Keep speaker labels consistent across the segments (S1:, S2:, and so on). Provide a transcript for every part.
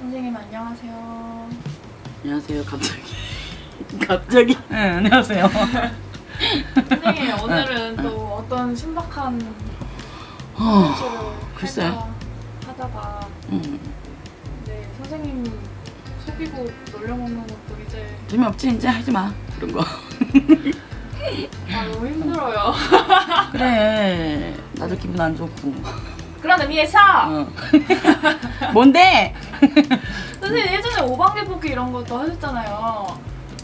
S1: 선생님 안녕하세요.
S2: 안녕하세요. 갑자기. 네, 안녕하세요.
S1: 선생님 오늘은 또 어떤 신박한 콘텐츠를
S2: 글쎄.
S1: 할까 하다가 네 선생님 속이고 놀려먹는 것도 이제
S2: 재미없지? 이제 하지 마. 그런 거.
S1: 너무 힘들어요.
S2: 그래. 나도 기분 안 좋고.
S1: 그런 의미에서
S2: 뭔데?
S1: 선생님 예전에 오방개 뽑기 이런 것도 하셨잖아요.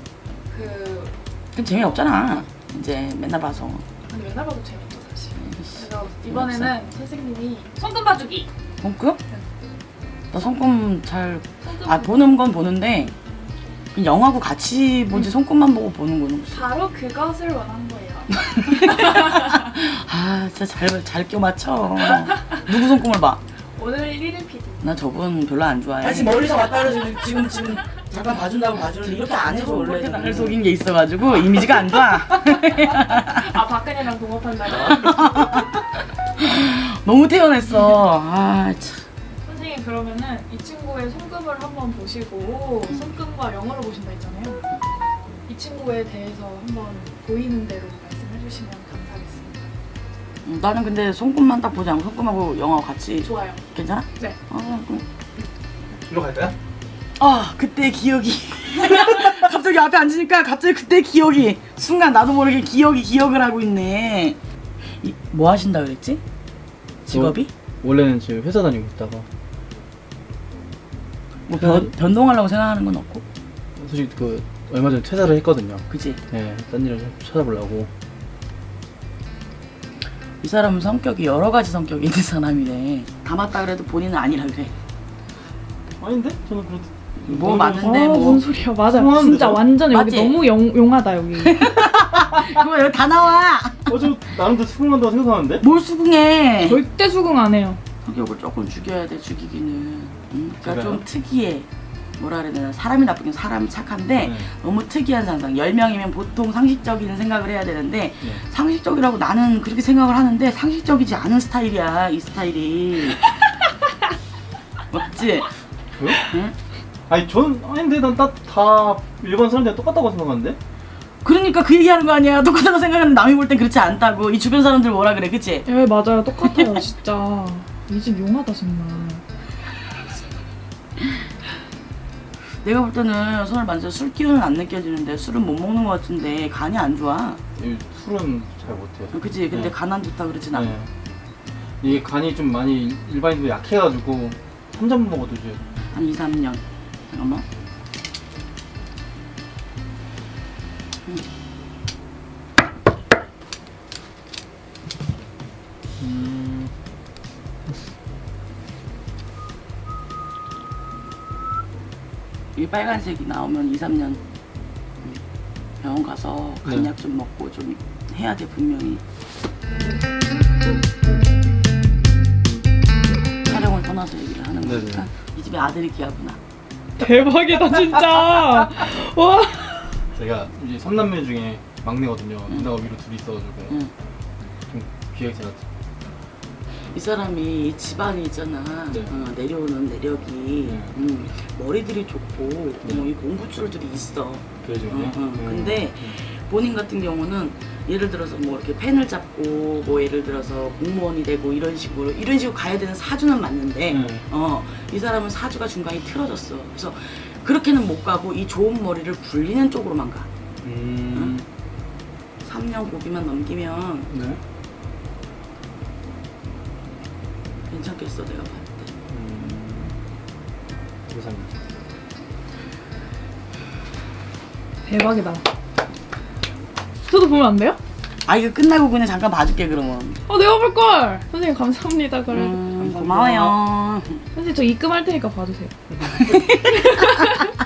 S2: 그럼 재미없잖아. 이제 맨날 봐서.
S1: 근데 맨날 봐도 재밌죠 사실.
S2: 에이씨,
S1: 그래서 이번에는 선생님이 손금 봐주기.
S2: 손금? 나 손금 잘
S1: 손금
S2: 보는 건 보는데 그냥 영화하고 같이 보지 손금만 보고 보는 거는 없어.
S1: 바로 그것을 원한 거예요.
S2: 진짜 잘 껴맞춰. 누구 손금을 봐?
S1: 오늘 1일 PD.
S2: 나 저분 별로 안 좋아해.
S3: 다시 멀리서 왔다 그래서 지금 잠깐 봐준다고 봐주는데 이렇게 안 해줘 원래.
S2: 나를 속인 게 있어가지고 이미지가 안 좋아.
S1: 박근혜랑 동업한다고?
S2: 너무 태어났어. 참.
S1: 선생님 그러면은 이 친구의 손금을 한번 보시고 손금과 영어로 보신다 했잖아요. 이 친구에 대해서 한번 보이는 대로 말씀해 주시면 감사하겠습니다.
S2: 나는 근데 손금만 딱 보지 않고 손금하고 영화하고 같이.
S1: 좋아요.
S2: 괜찮아?
S1: 네.
S2: 그럼.
S3: 일로 갈까요?
S2: 그때 기억이. 갑자기 앞에 앉으니까 갑자기 그때 기억이. 순간 나도 모르게 기억을 하고 있네. 뭐 하신다 그랬지? 직업이?
S4: 원래는 지금 회사 다니고 있다가
S2: 뭐 변동하려고 생각하는 건 없고?
S4: 솔직히 얼마 전에 퇴사를 했거든요.
S2: 그치?
S4: 네, 딴 일을 좀 찾아보려고.
S2: 이 사람은 성격이 여러 가지 성격이 있는 사람이래. 다 맞다 그래도 본인은 아니라 그래.
S4: 아닌데? 저는 그래도
S2: 뭐 맞는데 뭐.
S5: 뭔 소리야. 맞아.
S4: 통하는데
S5: 진짜
S4: 저?
S5: 완전 여기
S2: 맞지?
S5: 너무 용하다 여기.
S2: 그거 여기 다 나와.
S4: 저 나름대로 수긍한다고 생각하는데?
S2: 뭘 수긍해.
S5: 절대 수긍 안 해요.
S2: 성격을 조금 죽여야 돼, 죽이기는. 그러니까
S4: 그래요?
S2: 좀 특이해. 뭐라 그래야 되나. 사람이 나쁘긴 사람이 착한데
S4: 네.
S2: 너무 특이한 상상. 10명이면 보통 상식적인 생각을 해야 되는데
S4: 네.
S2: 상식적이라고 나는 그렇게 생각을 하는데 상식적이지 않은 스타일이야, 이 스타일이. 맞지?
S4: 그래요?
S2: 응?
S4: 아니 아닌데 난 다 일반 사람들이랑 똑같다고 생각하는데?
S2: 그러니까 그 얘기하는 거 아니야. 똑같다고 생각하는 남이 볼 땐 그렇지 않다고. 이 주변 사람들 뭐라 그래, 그치?
S5: 예 맞아요. 똑같아요 진짜. 이 집 용하다 정말.
S2: 내가 볼 때는 손을 만져서 술 기운은 안 느껴지는데 술은 못 먹는 것 같은데 간이 안 좋아.
S4: 이 술은 잘 못해요.
S2: 그치? 근데
S4: 네.
S2: 간 안 좋다 그러진 않아.
S4: 네. 이게 간이 좀 많이 일반인도 약해가지고 한 잔 먹어도 이제
S2: 한 2, 3년. 잠깐만. 이 빨간색이 나오면 2, 3년 병원 가서 간약 좀 먹고 좀 해야 돼, 분명히. 촬영을 떠나서 얘기를 하는
S4: 네네.
S2: 거니까. 이 집에 아들이 귀하구나.
S5: 대박이다 진짜. 와.
S4: 제가 이제 3남매 중에 막내거든요. 누나가 위로 둘이 있어가지고
S2: 응.
S4: 좀 귀하게 제가
S2: 이 사람이 이 집안이 있잖아.
S4: 네.
S2: 내려오는 내력이 머리들이 좋고 이 공부줄들이 있어.
S4: 그래가지고
S2: 근데 본인 같은 경우는 예를 들어서 뭐 이렇게 펜을 잡고 뭐 예를 들어서 공무원이 되고 이런 식으로 가야 되는 사주는 맞는데 이 사람은 사주가 중간에 틀어졌어. 그래서 그렇게는 못 가고 이 좋은 머리를 굴리는 쪽으로만 가. 3년 고비만 넘기면
S4: 네.
S2: 괜찮겠어, 내가 봤을 때.
S4: 감사합니다.
S5: 대박이다. 저도 보면 안 돼요?
S2: 이거 끝나고 그냥 잠깐 봐줄게 그러면.
S5: 내가 볼 걸. 선생님 감사합니다. 그래도.
S2: 고마워요.
S5: 선생님 저 입금할 테니까 봐주세요.